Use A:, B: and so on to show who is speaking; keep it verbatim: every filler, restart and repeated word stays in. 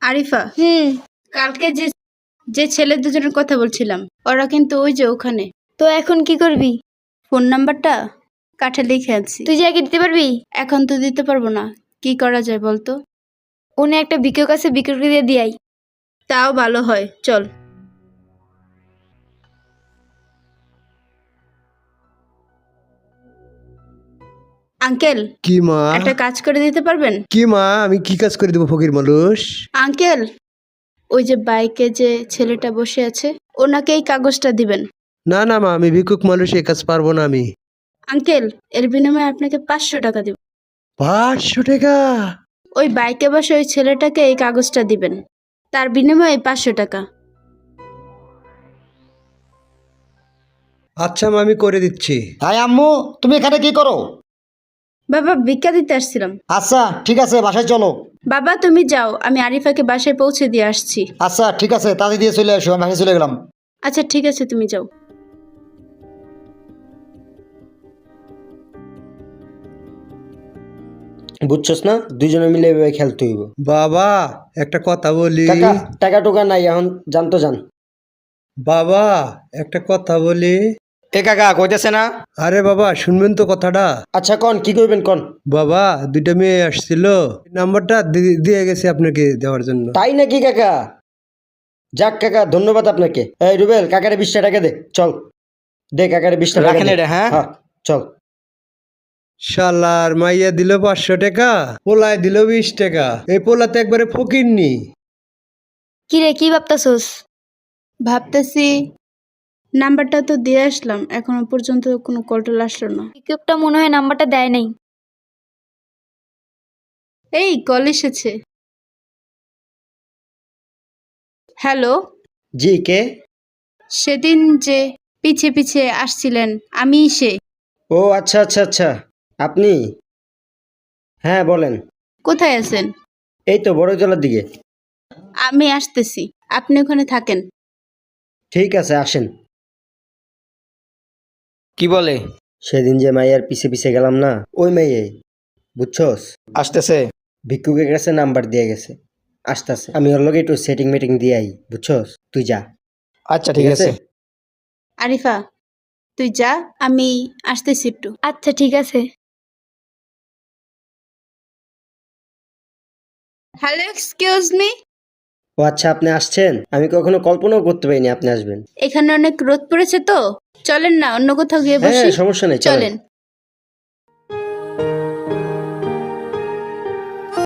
A: আরিফা,
B: হুম
A: কালকে যে যে ছেলে দুজনের কথা বলছিলাম ওরা কিন্তু ওই যে ওখানে।
B: তো এখন কি করবি?
A: ফোন নাম্বারটা কাঠে লিখে আনছি।
B: তুই যে আগে দিতে পারবি?
A: এখন তো দিতে পারবো না, কি করা যায় বলতো?
B: উনি একটা ভিক্ষুক আছে, ভিক্ষুককে দিয়ে দিয়াই।
A: তাও ভালো হয়, চল। আঙ্কেল,
C: কি মা?
A: একটা কাজ করে দিতে পারবেন?
C: কি মা, আমি কি কাজ করে দেবো ফকির মানুষ?
A: আঙ্কেল, ওই যে বাইকে যে ছেলেটা বসে আছে ওনাকে এই কাগজটা দিবেন।
C: না না মা, আমি ভিক্ষুক মানুষ, এ কাজ পারবো না আমি।
A: আঙ্কেল, এর বিনিময়ে আপনাকে পাঁচশো টাকা দিব।
C: পাঁচশো টাকা?
A: ওই বাইকে বসে ওই ছেলেটাকে এই কাগজটা দিবেন, তার বিনিময়ে পাঁচশো টাকা।
C: আচ্ছা মা, আমি করে দিচ্ছি।
D: হাই আম্মু, তুমি এখানে কি করো?
A: বাবা, ভিক্ষা দিতে আসছিলাম।
D: আচ্ছা ঠিক আছে, বাসায় চলো।
A: বাবা তুমি যাও, আমি আরিফাকে বাসায় পৌঁছে দিয়ে আসছি।
D: আচ্ছা ঠিক আছে, তাড়াতাড়ি দিয়ে চলে আসো, আমি বাসায় চলে গেলাম।
A: আচ্ছা ঠিক আছে, তুমি যাও।
E: বুঝছস না, দুজনে মিলে এভাবে খেলতে হইব।
C: বাবা একটা কথা বলি।
E: কাকা, টাকা টুকা নাই, এখন জানতো জান।
C: বাবা একটা কথা বলি।
E: এ কাকা কইতেছে না?
C: আরে বাবা শুনবেন তো কথাটা।
E: আচ্ছা কন, কি কইবেন কন।
C: বাবা দুইটা মেয়ে আসছিল, নাম্বারটা দি- দিয়ে গেছে আপনাকে দেওয়ার জন্য।
E: তাই নাকি কাকা? যাক কাকা, ধন্যবাদ আপনাকে। এই রুবেল, কাকারে বিশটা টাকা দে, চল। দে কাকারে বিশটা টাকা
F: রাখেন
E: দে।
F: এটা, হ্যাঁ?
E: হ্যাঁ, চল।
C: শালার মাইয়া দিল পাঁচশো টাকা, পোলায় দিল বিশ টাকা। এই পোলাতে একবারে ফকিরনি।
B: কি রে, কি ভাবতাছস?
A: ভাবতেছি নাম্বারটা তো দিয়ে আসলাম, এখনো পর্যন্ত কোনো কলটল আসলো না।
B: ভিক্ষুকটা মনে হয় নাম্বারটা দেয় নাই।
A: এই কল এসেছে। হ্যালো,
E: জি কে?
A: সেদিন যে পিছে পিছে আসছিলেন আমি সে।
E: ও আচ্ছা আচ্ছা আচ্ছা, আপনি? হ্যাঁ বলেন।
A: কোথায় আছেন?
E: এই তো বড়জলার দিকে।
A: আমি আসতেছি, আপনি ওখানে থাকেন।
E: ঠিক আছে, আসেন।
F: কি বলে?
E: সেদিন যে মাইয়ার পিছে পিছে গেলাম না, ওই মেয়ে, বুঝছস?
F: আসতেছে।
E: ভিক্ষুকের কাছে নাম্বার দিয়ে গেছে, আসতেছে। আমি ওর লগে একটু সেটিং মেটিং দিয়ে আই, বুঝছস? তুই যা।
F: আচ্ছা ঠিক আছে।
A: আরিফা, তুই যা, আমি আসতেছি একটু।
B: আচ্ছা ঠিক আছে।
A: Hello, excuse me.
E: ও আচ্ছা, আপনি আসছেন? আমি কখনো কল্পনাও করতে পারিনি আপনি আসবেন।
A: এখানে অনেক রোদ পড়েছে তো, চলেন না অন্য কোথাও গিয়ে
E: হ্যাঁ
A: বসি।
E: সমস্যা নেই, চলেন।
A: চলেন।